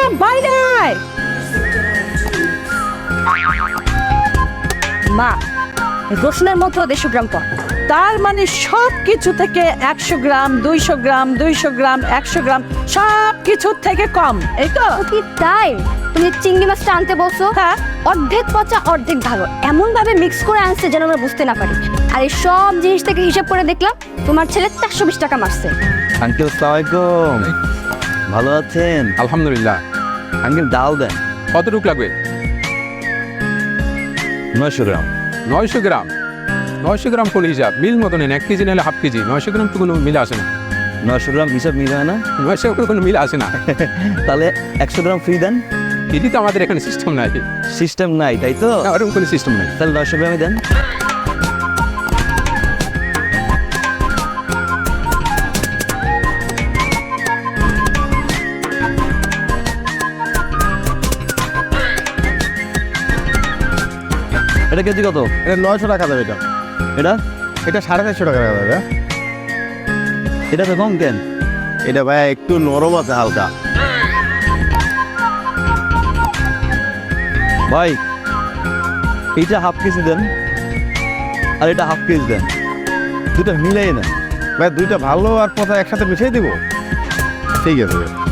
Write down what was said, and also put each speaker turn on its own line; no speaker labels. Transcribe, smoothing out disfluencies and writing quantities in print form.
বাইরে আয়। মা, রসুনের মধ্যে 150 গ্রাম কম। তার মানে সব কিছু থেকে 100 গ্রাম, 200 গ্রাম, 200 গ্রাম, 100 গ্রাম, সব কিছুর থেকে কম, এই তো?
কি তাই? তুমি চিংড়ি মাছটা আনতে বলছো,
হ্যাঁ।
অর্ধেক পচা অর্ধেক ভালো এমন ভাবে মিক্স করে আনছে যেন আমরা বুঝতে না পারি। আর এই সব জিনিস থেকে হিসাব করে দেখলাম তোমার ছেলে 420 টাকা মারছে।
আঙ্কেল আসসালামাইকুম, ভালো আছেন?
আলহামদুলিল্লাহ।
আঙ্কেল ডাল দেন।
কতটুক লাগবে?
900 গ্রাম।
900 গ্রাম? 900 গ্রাম কোন হিসাব? মিল মতো নেন, 1 কেজি নিলে হাফ কেজি। 900 গ্রাম তো কোনো মিল আসে না।
900 গ্রাম হিসাব মিল হয় না?
900 গ্রাম কোনো মিল আসে না।
তাহলে 100 গ্রাম ফ্রি দেন।
এটি তো আমাদের এখানে সিস্টেম নাই।
সিস্টেম নাই তাই তো?
না, ওরকম কোনো সিস্টেম নাই।
তাহলে 900 গ্রামই দেন। এটা কেজি কত?
এটা 900 টাকা দেবে।
এটা
এটা 450 টাকা দেবে।
এটা তো কম কেন?
এটা ভাই একটু নরম আছে হালকা।
ভাই এইটা হাফ কেজি দেন আর এটা হাফ কেজি দেন, দুটো মিলাই না।
ভাই দুইটা ভালো আর পচা একসাথে মিশিয়ে দিব। ঠিক আছে।